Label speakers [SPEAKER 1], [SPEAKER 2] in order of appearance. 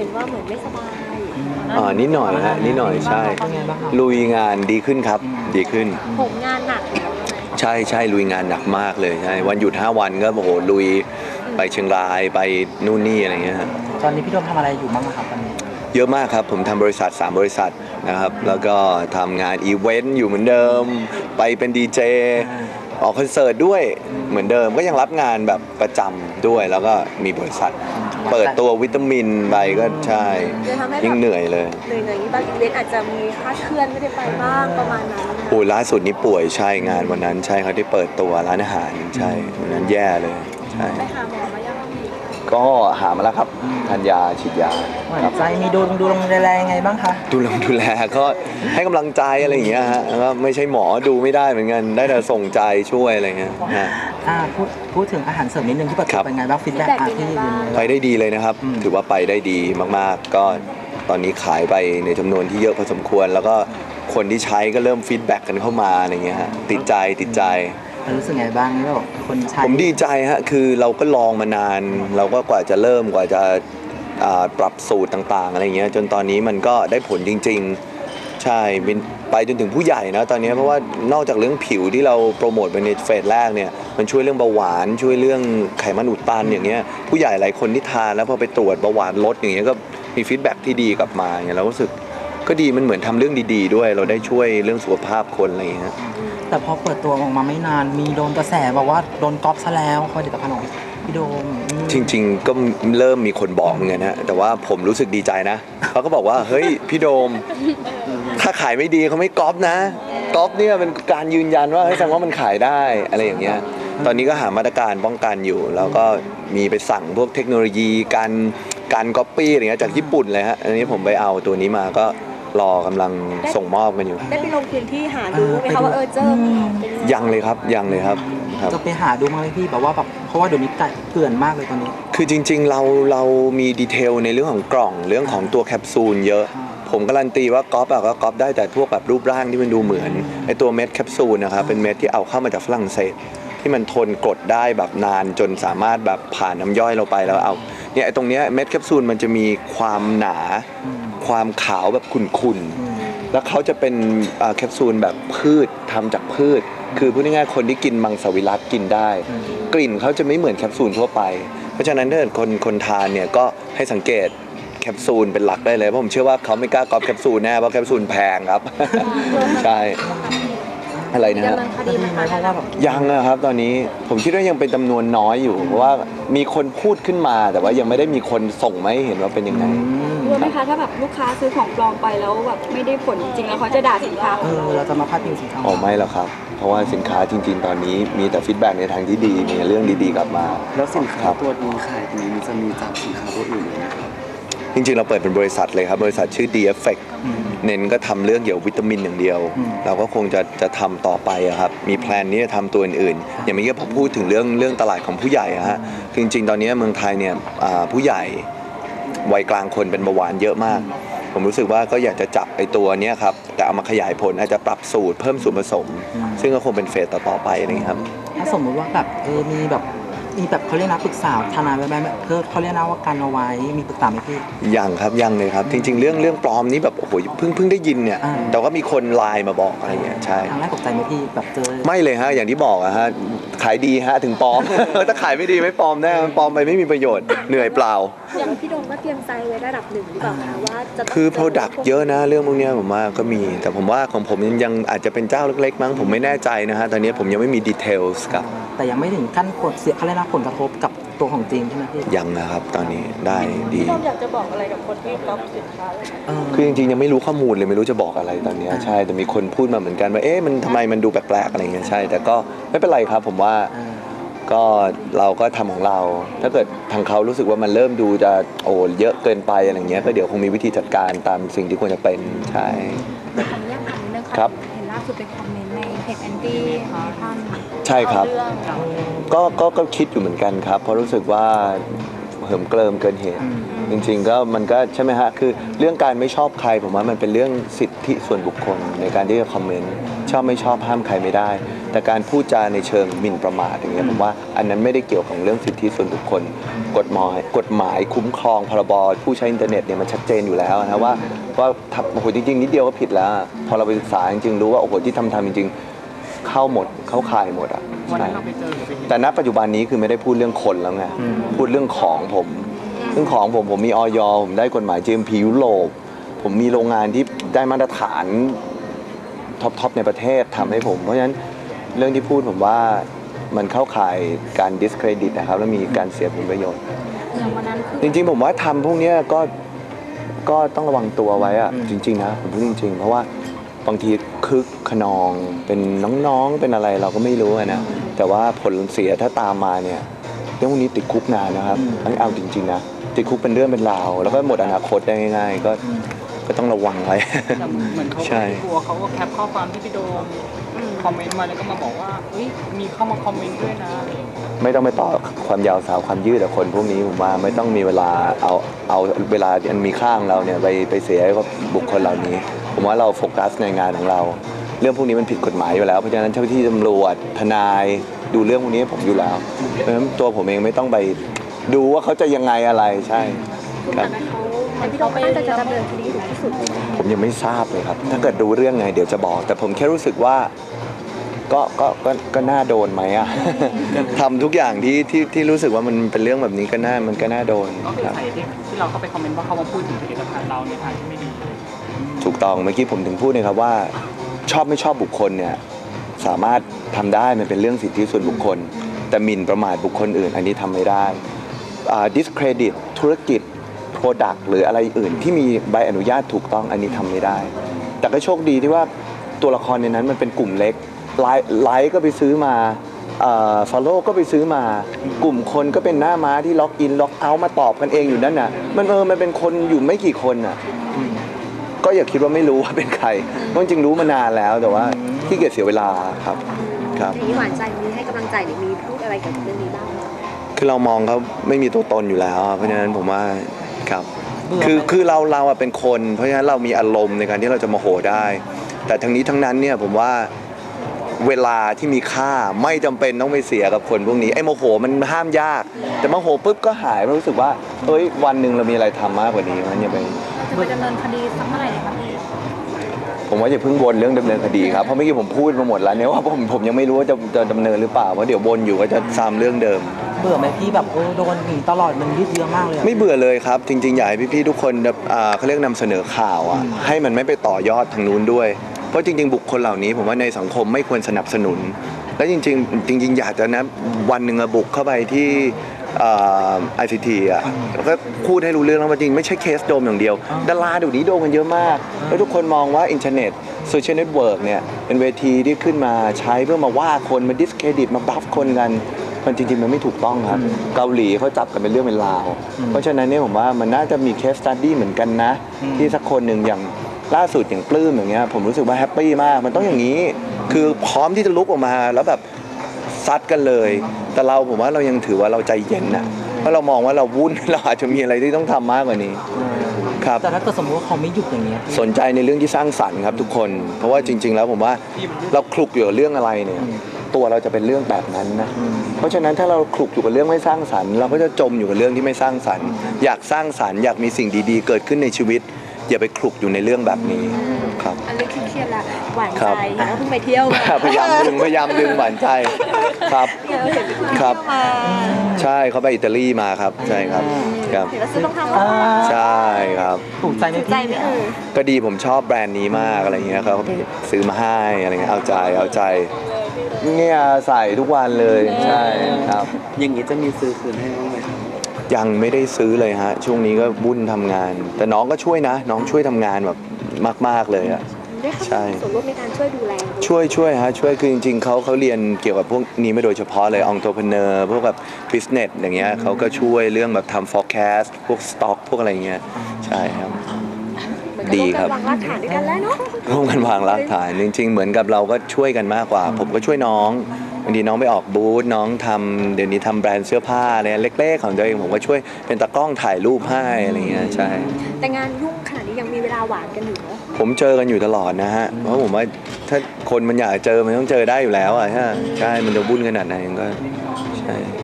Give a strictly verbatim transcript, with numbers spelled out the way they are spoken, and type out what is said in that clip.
[SPEAKER 1] ห็นว่าเหมือนไม่สบาย
[SPEAKER 2] อ่านิดหน่อยฮะนิดหน่อยใช่ลุยงานดีขึ้นครับดีขึ้น
[SPEAKER 1] ผมงานหนักแล้ว
[SPEAKER 2] ใช่ใช่ลุยงานหนักมากเลยใช่วันหยุดห้าวันก็โอ้โหลุยไปเชียงรายไปนู่นนี่อะไรเงี้ยฮะ
[SPEAKER 3] ตอนนี้พี่โดมทำอะไรอยู่บ้างครับตอนนี้
[SPEAKER 2] เยอะมากครับผมทำบริษัทสามบริษัทนะครับแล้วก็ทำงานอีเวนต์อยู่เหมือนเดิมไปเป็นดีเจออกคอนเสิร์ตด้วยเหมือนเดิมก็ยังรับงานแบบประจำด้วยแล้วก็มีบริษัทเปิดตัววิตามินไปก็ใช่ยิ่งเหนื่อยเลย
[SPEAKER 1] เหนื่อยอย่างนี้บางอีเวนต์อาจจะมีคลาดเคลื่อนไม่ได้ไปบ้างประมาณนั้น
[SPEAKER 2] โอ้ล่าสุดนี้ป่วยใช่งานวันนั้นใช่เขาที่เปิดตัวร้านอาหารใช่วันนั้นแย่เลยใช่
[SPEAKER 1] ไปหาหมอมายัง
[SPEAKER 2] ก็หามาแล้วครับทานยาฉีดยา
[SPEAKER 3] ใจมีดูดูลงดูแลยังไงบ้างคะ
[SPEAKER 2] ดูลงดูแลก็ให้กำลังใจอะไรอย่างเงี้ยฮะก็ไม่ใช่หมอดูไม่ได้เหมือนกันได้แต่ส่งใจช่วยอะไรเงี้ยฮะ
[SPEAKER 3] อ่าพูดพูดถึงอาหารเสริมนิดนึงที่ประกอบเป็นไงบ้างฟีดแบ็กที่
[SPEAKER 2] ไปได้ดีเลยนะครับถือว่าไปได้ดีมากๆก็ตอนนี้ขายไปในจำนวนที่เยอะพอสมควรแล้วก็คนที่ใช้ก็เริ่มฟีดแบ็กกันเข้ามาอะไรเงี้ยฮะติดใจติดใจ
[SPEAKER 3] รู้สึกไงบ้างนี่แบบคนใช้
[SPEAKER 2] ผมดีใจฮะคือเราก็ลองมานานเราก็กว่าจะเริ่มกว่าจะปรับสูตรต่างๆอะไรเงี้ยจนตอนนี้มันก็ได้ผลจริงๆใช่ไปจนถึงผู้ใหญ่นะตอนนี้เพราะว่านอกจากเรื่องผิวที่เราโปรโมทไปในเฟสแรกเนี่ยมันช่วยเรื่องเบาหวานช่วยเรื่องไขมันอุดตันอย่างเงี้ยผู้ใหญ่หลายคนที่ทานแล้วพอไปตรวจเบาหวานลดอย่างเงี้ยก็มีฟีดแบ็กที่ดีกลับมาอย่างเงี้ยเรารู้สึกก็ดีมันเหมือนทำเรื่องดีๆด้วยเราได้ช่วยเรื่องสุขภาพคนอะไรอย่างเงี้ย
[SPEAKER 3] แต่พอเปิดตัวออกมาไม่นานมีโดนกระแสบอกว่าโดนก๊อปซะแล้วผลิตภัณฑ์ของพี่โดม
[SPEAKER 2] จริงๆก็เริ่มมีคนบอกเหมือนกันนะแต่ว่าผมรู้สึกดีใจนะเขาก็บอกว่าเฮ้ยพี่โดมถ้าขายไม่ดีเขาไม่ก๊อปนะก๊อปเนี่ยเป็นการยืนยันว่าให้แสดงว่ามันขายได้อะไรอย่างเงี้ยตอนนี้ก็หามาตรการป้องกันอยู่แล้วก็มีไปสั่งพวกเทคโนโลยีการการก๊อปปี้อะไรเงี้ยจากญี่ปุ่นเลยฮะอันนี้ผมไปเอาตัวนี้มาก็รอกำลังส่งมอบกันอยู่
[SPEAKER 1] ได้ไปลงพื้นที่หาดูไหมคะว่าเออเจอ
[SPEAKER 2] ยังเลยครับยังเลยครับ
[SPEAKER 3] จะไปหาดูมาไหมพี่แบบว่าแบบเพราะว่าเดี๋ยวนี้เกลื่อนมากเลยตอนนี้
[SPEAKER 2] คือจริงๆเราเรามีดีเทลในเรื่องของกล่องเรื่องของตัวแคปซูลเยอะผมการันตีว่าก๊อปอะก็ก๊อปได้แต่พวกแบบรูปร่างที่มันดูเหมือนไอตัวเม็ดแคปซูลนะครับเป็นเม็ดที่เอาเข้ามาจากฝรั่งเศสที่มันทนกรดได้แบบนานจนสามารถแบบผ่านน้ำย่อยเราไปแล้วเอาเนี่ยไอตรงเนี้ยเม็ดแคปซูลมันจะมีความหนาความขาวแบบขุ่นๆแล้วเขาจะเป็นแคปซูลแบบพืชทำจากพืชคือพูดง่ายๆคนที่กินมังสวิรัติกินได้กลิ่นเขาจะไม่เหมือนแคปซูลทั่วไปเพราะฉะนั้นถ้าเกิดคนคนทานเนี่ยก็ให้สังเกตแคปซูลเป็นหลักได้เลยเพราะผมเชื่อว่าเขาไม่กล้าก๊อปแคปซูลแน่เพราะแคปซูลแพงครับใช่อะไรนะฮะยังนะครับตอนนี้ผมคิดว่ายังเป็นจำนวนน้อยอยู่เพราะว่ามีคนพูดขึ้นมาแต่ว่ายังไม่ได้มีคนส่งมาให้เห็นว่าเป็นยังไง
[SPEAKER 1] รู้ไหมคะถ้าแบบลูกค้าซื้อของปลอมไปแล้วแบบไม่ได้ผลจริงแล้วเขาจะด่าสินค้า
[SPEAKER 3] เออเราจะมาพาดพิงสินค้า
[SPEAKER 2] อ๋อไม่หรอกครับเพราะว่าสินค้าจริงๆตอนนี้มีแต่ฟีดแบ็กในทางที่ดีมีเรื่องดีๆกลับมา
[SPEAKER 4] แล้วสินค้าตัวนี้ขายนี้มันจะมีจากสินค้าตัวอื่นไหมครับ
[SPEAKER 2] จริงๆเราเปิดเป็นบริษัทเลยครับบริษัทชื่อ ดี เอฟ เฟค เน้นก็ทำเรื่องเกี่ยวกับวิตามินอย่างเดียวเราก็คงจะจะทำต่อไปครับมีแพลนนี้จะทำตัวอื่นๆอย่างเมื่อกี้ผมพูดถึงเรื่องเรื่องตลาดของผู้ใหญ่ฮะคือจริงๆตอนนี้เมืองไทยเนี่ยผู้ใหญ่วัยกลางคนเป็นเบาหวานเยอะมากผมรู้สึกว่าก็อยากจะจับไอ้ตัวนี้ครับแต่เอามาขยายผลอาจจะปรับสูตรเพิ่มส่วนผสมซึ่งก็คงเป็นเฟสต่อๆไปนะครับ
[SPEAKER 3] ถ้าสมมติว่าแบบเออมีแบบมีแบบเขาเรียกนะปรึกษาทนายไว้ไหมเพื่อเขาเรียกนะว่าการเอาไว้มีปรึกษาไหมพี่
[SPEAKER 2] ยังครับยังเลยครับจริงๆเรื่องเรื่องปลอมนี้แบบโอ้โหเพิ่งเพิ่งได้ยินเนี่ยแต่ว่ามีคนไลน์มาบอกอะไรเงี้ยใช่
[SPEAKER 3] ครั้งแรกตกใจไหมพี่แบบเจอ
[SPEAKER 2] ไม่เลยฮะอย่างที่บอกอะฮะขายดีฮะถึงปลอมถ้าขายไม่ดีไม่ปลอมแน่ปลอมไปไม่มีประโยชน์เหนื่อยเปล่า
[SPEAKER 1] อย่างพี่โดมก็เตรียมใจไว้ระดับหนึ่งหรือเปล่าคะว่าจะ
[SPEAKER 2] คือ product เยอะนะเรื่องพวกนี้ผมว่าก็มีแต่ผมว่าของผมยังอาจจะเป็นเจ้าเล็กๆมั้งผมไม่แน่ใจนะฮะตอนนี้ผมยังไม่มี details กับ
[SPEAKER 3] แต่ยังไม่ถึงขั้นผลเสียเขาเรียกนะผลกระทบกับตัวของจริงใช่ไหมพี่
[SPEAKER 2] ยังนะครับตอนนี้ได้ดี
[SPEAKER 1] พี่โดมอยากจะบอกอะไรกับคนที่ก๊อปสินค้าเลย
[SPEAKER 2] คือจริงๆยังไม่รู้ข้อมูลเลยไม่รู้จะบอกอะไรตอนนี้ใช่แต่มีคนพูดมาเหมือนกันว่าเอ๊ะมันทำไมมันดูแปลกๆอะไรเงี้ยใช่แต่ก็ไม่เป็นไรครับผมว่าก็เราก็ทำของเราถ้าเกิดทางเขารู้สึกว่ามันเริ่มดูจะโอ้เยอะเกินไปอะไรเงี้ยก็เดี๋ยวคงมีวิธีจัดการตามสิ่งที่ควรจะเป็นใช่
[SPEAKER 1] แต่คำนี้คำนี้นึง
[SPEAKER 2] ครับ
[SPEAKER 1] เห็นล่าสุดเป็นคอมเมนต์ในเพจแอนตี้ท่าน
[SPEAKER 2] ใช่ครับก็ก็ก็คิดอยู่เหมือนกันครับเพราะรู้สึกว่าเหิมเกริมเกินเหตุในจริงๆก็มันก็ใช่ไหมฮะคือเรื่องการไม่ชอบใครผมว่ามันเป็นเรื่องสิทธิส่วนบุคคลในการที่จะคอมเมนต์ชอบไม่ชอบห้ามใครไม่ได้ แต่การพูดจาในเชิงหมิ่นประมาทอย่างเงี้ยผมว่าอันนั้นไม่ได้เกี่ยวกับเรื่องสิทธิส่วนบุคคล กฎหมายกฎหมายคุ้มครองพรบผู้ใช้อินเทอร์เน็ตเนี่ยมันชัดเจนอยู่แล้วนะว่าว่าทำโอ้โหจริงๆนิดเดียวก็ผิดแล้วพอเราไปศึกษาจริงๆรู้ว่าโอ้โหที่ทำทำจริงๆเข้าหมดเข้าข่ายหมดอ่ะใช่แต่ณปัจจุบันนี้คือไม่ได้พูดเรื่องคนแล้วไงพูดเรื่องของผมเรื่องของผมผมมีออยผมได้กฎหมาย จี เอ็ม พี ยุโรปผมมีโรงงานที่ได้มาตรฐานท็อปทในประเทศทำให้ผมเพราะฉะนั้นเรื่องที่พูดผมว่ามันเข้าข่ายการ discredit นะครับแล้วมีการเสียผลประโยชน์
[SPEAKER 1] อย่างวันนั้นคือ
[SPEAKER 2] จริงๆผมว่าทำพวกเนี้ยก็ก็ต้องระวังตัวไว้อะจริงๆนะผมพูดจริงๆ เพราะว่าบางทีคึกขนองเป็นน้องๆเป็นอะไรเราก็ไม่รู้อะนะแต่ว่าผลเสียถ้าตามมาเนี่ยเรื่องพวกนี้ติดคุกนานนะครับอันนี้เอาจริงๆนะติดคุกเป็นเรื่องเป็นราวแล้วก็หมดอนาคตได้ง่ายๆก็ก็ต้องระวังไว้
[SPEAKER 5] แต่เหมือนเขา
[SPEAKER 2] ใช่
[SPEAKER 5] กลัวเขาก็แคปข้อความที่พี่โดมคอมเมนต์มาแล้วก็มาบอกว่าเฮ้ยมีเข้ามาคอมเมนต์ด้วยนะอะไรอย่างเงี้ย
[SPEAKER 2] ไม่ต้องไปต่อความยาวสาวความยืดแต่คนพวกนี้ผมว่าไม่ต้องมีเวลาเอาเอาเวลาอันมีค่าของเราเนี่ยไปไปเสียให้กับบุคคลเหล่านี้ ผมว่าเราโฟกัสในงานของเรา เรื่องพวกนี้มันผิดกฎหมายอยู่แล้วเพราะฉะนั้นเจ้าหน้าที่ตำรวจทนายดูเรื่องพวกนี้ให้ผมอยู่แล้วเพราะฉะนั้นตัวผมเองไม่ต้องไปดูว่าเขาจะยังไงอะไรใช่ครับ
[SPEAKER 1] แต่พี่โดมก็น่าจะจะดำเนินคดีถึงที่สุดเลยนะ
[SPEAKER 2] ผมยังไม่ทราบเลยครับ ถ้าเกิดรู้เรื่องไงเดี๋ยวจะบอก แต่ผมแค่รู้สึกว่าก็ก็ก็ก็น่าโดนไหมอ่ะ ทำทุกอย่างที่ที่ที่รู้สึกว่ามันเป็นเรื่องแบบนี้ก็น่ามันก็น่าโดน
[SPEAKER 5] ก็คือ
[SPEAKER 2] ครับ
[SPEAKER 5] ใครที่ที่เราเข้าไปคอมเมนต์ว่าเขามาพูดถึงผลิตภัณฑ์เราในทางที่ไม่ดี
[SPEAKER 2] ถูกต้องเมื่อกี้ผมถึงพูดนะครับว่าชอบไม่ชอบบุคคลเนี่ยสามารถทำได้มันเป็นเรื่องสิทธิส่วนบุคคล แต่หมิ่นประมาทบุคคลอื่น อันนี้ทำไม่ได้อ่า discredit ธุรกิจ product หรืออะไรอื่นที่มีใบอนุญาตถูกต้องอันนี้ทำไม่ได้ แต่ก็โชคดีที่ว่าตัวละครในนั้นมันเป็นกลุ่มเล็กไลค์ไลค์ก็ไปซื้อมาเอ่อ follow ก็ไปซื้อมา กลุ่มคนก็เป็นหน้าม้าที่ล็อกอินล็อกเอาท์มาตอบกันเองอยู่นั่นน่ะมันเออมันเป็นคนอยู่ไม่กี่คนน่ะ ก็อย่าคิดว่าไม่รู้ว่าเป็นใครเพราะจริงๆรู้มานานแล้วแต่ว่าที่เกียจเสียเวลาครับครับ
[SPEAKER 6] มีหวานใจมีให้กำลังใจหรือมีพูดอะไรเกี่ยวกับเรื่องนี้บ้างไหม
[SPEAKER 2] คือเรามองเขาไม่มีตัวตนอยู่แล้วอะเพราะฉะนั้นผมว่าครับ
[SPEAKER 3] เบื่อไหม
[SPEAKER 2] คือคือเราเราอะเป็นคน เพราะฉะนั้นเรามีอารมณ์ในการที่เราจะโมโหได้ แต่ทั้งนี้ทั้งนั้นเนี่ยผมว่าเวลาที่มีค่าไม่จำเป็นต้องไปเสียกับคนพวกนี้ไอ้โมโหมันห้ามยาก แต่โมโหปุ๊บก็หายมันรู้สึกว่าเอ้ยวันหนึ่งเรามีอะไรทำมากกว่านี้มันอย่าไป
[SPEAKER 1] จะไปดำเนินคดีสักเมื่อไหร่ดีคะพี่
[SPEAKER 2] ผมว่าอย่าเพิ่งวนเรื่องดำเนินคดีครับเพราะเมื่อกี้ผมพูดมาหมดแล้วเนี่ยว่าผมผมยังไม่รู้ว่าจะจะดำเนินหรือเปล่าเพราะเดี๋ยววนอยู่ก็จะซ้ำเรื่องเดิม
[SPEAKER 3] เบื่อไหมพี่แบบโอ้โดนหนีตลอดมันยืดเยื้อมากเลยอะ
[SPEAKER 2] ไม่เบื่อเลยครับ จริงๆอยากให้พี่ๆทุกคนอ่าเขาเรียกนำเสนอข่าวอ่ะให้มันไม่ไปต่อยอดทางนู้นด้วย เพราะจริง ๆ บุคคลเหล่านี้ผมว่าในสังคมไม่ควรสนับสนุน และจริงๆจริง ๆ อยากจะนะวันหนึ่งอะบุกเข้าไปที่ไอซีทีอ่ะแล้วก็พูดให้รู้เรื่องแล้วว่าจริงไม่ใช่เคสโดมอย่างเดียวดาราเดี๋ยวนี้โดมกันเยอะมาก แล้วทุกคนมองว่าอินเทอร์เน็ตโซเชียลเน็ตเวิร์กเนี่ยเป็นเวทีที่ขึ้นมาใช้เพื่อมาว่าคนมาดิสเครดิตมาบัฟคนกัน มันจริงๆมันไม่ถูกต้องครับ เกาหลีเขาจับกันเป็นเรื่องเป็นราว เพราะฉะนั้นเนี่ยผมว่ามันน่าจะมีเคสสตัดดี้เหมือนกันนะ ที่สักคนหนึ่งอย่างล่าสุดอย่างปลื้มอย่างเงี้ยผมรู้สึกว่าแฮปปี้มากมันต้องอย่างนี้ คือพร้อมที่จะลุกออกมาแล้วแบบซัดกันเลย แต่เราผมว่าเรายังถือว่าเราใจเย็นนะเพราะเรามองว่าเราวุ่น เราอาจจะมีอะไรที่ต้องทำมากกว่านี้ครับ
[SPEAKER 3] แต่ถ้าเกิดสมมติว่าเขาไม่หยุดอย่างเงี้ย
[SPEAKER 2] สนใจในเรื่องที่สร้างสรรค์ครับทุกคน เพราะว่าจริง ๆ แล้วผมว่าเราคลุกอยู่กับเรื่องอะไรเนี่ยตัวเราจะเป็นเรื่องแบบนั้นนะเพราะฉะนั้นถ้าเราคลุกอยู่กับเรื่องไม่สร้างสรรค์เราก็จะจมอยู่กับเรื่องที่ไม่สร้างสรรค์อยากสร้างสรรค์อยากมีสิ่งดีๆ เกิดขึ้นในชีวิต อย่าไปคลุกอยู่ในเรื่องแบบนี้ครับ
[SPEAKER 6] อันนี้เครียดละหวาน
[SPEAKER 2] ครั
[SPEAKER 6] ใจ
[SPEAKER 2] บ
[SPEAKER 6] เห็นว่าเพิ่งไปเที่ยวมา
[SPEAKER 2] พยายามดึงพยายามดึงหวานใจครับ
[SPEAKER 6] เห็นไปเที่ยว
[SPEAKER 2] ครับ
[SPEAKER 6] มา
[SPEAKER 2] ใช่เขาไปอิตาลีมาครับใช่ครับครับ
[SPEAKER 6] เห็นว่าซื้อรองเท้ามา
[SPEAKER 2] ใช่ครับ
[SPEAKER 3] ถูกใจไหม
[SPEAKER 6] ถูกใจ
[SPEAKER 3] พี่
[SPEAKER 6] ไหมเออ
[SPEAKER 2] ก็ดีผมชอบแบรนด์นี้มากอะไรเงี้ยเขาก็ไปซื้อมาให้อะไรเงี้ยเอาใจเอาใจเนี่ยใส่ทุกวันเลยใช่ครับ
[SPEAKER 4] อย่างนี้จะมีซื้อคืนให้บ้างไหมครับ
[SPEAKER 2] ยังไม่ได้ซื้อเลยฮะช่วงนี้ก็วุ่นทำงาน แต่น้องก็ช่วยนะ น้องช่วยทำงานแบบมาก ๆเลยอะ
[SPEAKER 6] ได้เข้า
[SPEAKER 2] ใช่
[SPEAKER 6] มามีส่วนร่วมในการช่วยดูแล
[SPEAKER 2] ช่วยช่วยฮะช่วยคือจริงๆเขาเขาเรียนเกี่ยวกับพวกนี้ไม่โดยเฉพาะเลยองค์ e ร n e u r พวกแบบบิสเนสอย่างเงี้ยเขาก็ช่วยเรื่องแบบทำ forecast พวก stock พวกอะไรเงี้ยใช่ครับ
[SPEAKER 6] เหมือนกับ
[SPEAKER 2] ดีครับ
[SPEAKER 6] วางรากฐานด้วยกันแล้วเนาะ
[SPEAKER 2] ร่วมกันวางรากฐานจริง ๆ เหมือนกับเราก็ช่วยกันมากกว่า ผมก็ช่วยน้องบางทีน้องไปออกบูธน้องทำเดี๋ยวนี้ทำแบรนด์เสื้อผ้าอะไรเล็กๆของตัวเองผมก็ช่วยเป็นตากล้องถ่ายรูปให้อะไรเงี้ยใช่
[SPEAKER 6] แต่งานยุ่งขนาดนี้ยังมีเวลาหวานกันอยู่เนาะ
[SPEAKER 2] ผมเจอกันอยู่ตลอดนะฮะเพราะผมว่าถ้าคนมันอยากเจอมันต้องเจอได้อยู่แล้วอ่ะใช่ใช่มันจะวุ่นขนาดไหนก็ใช่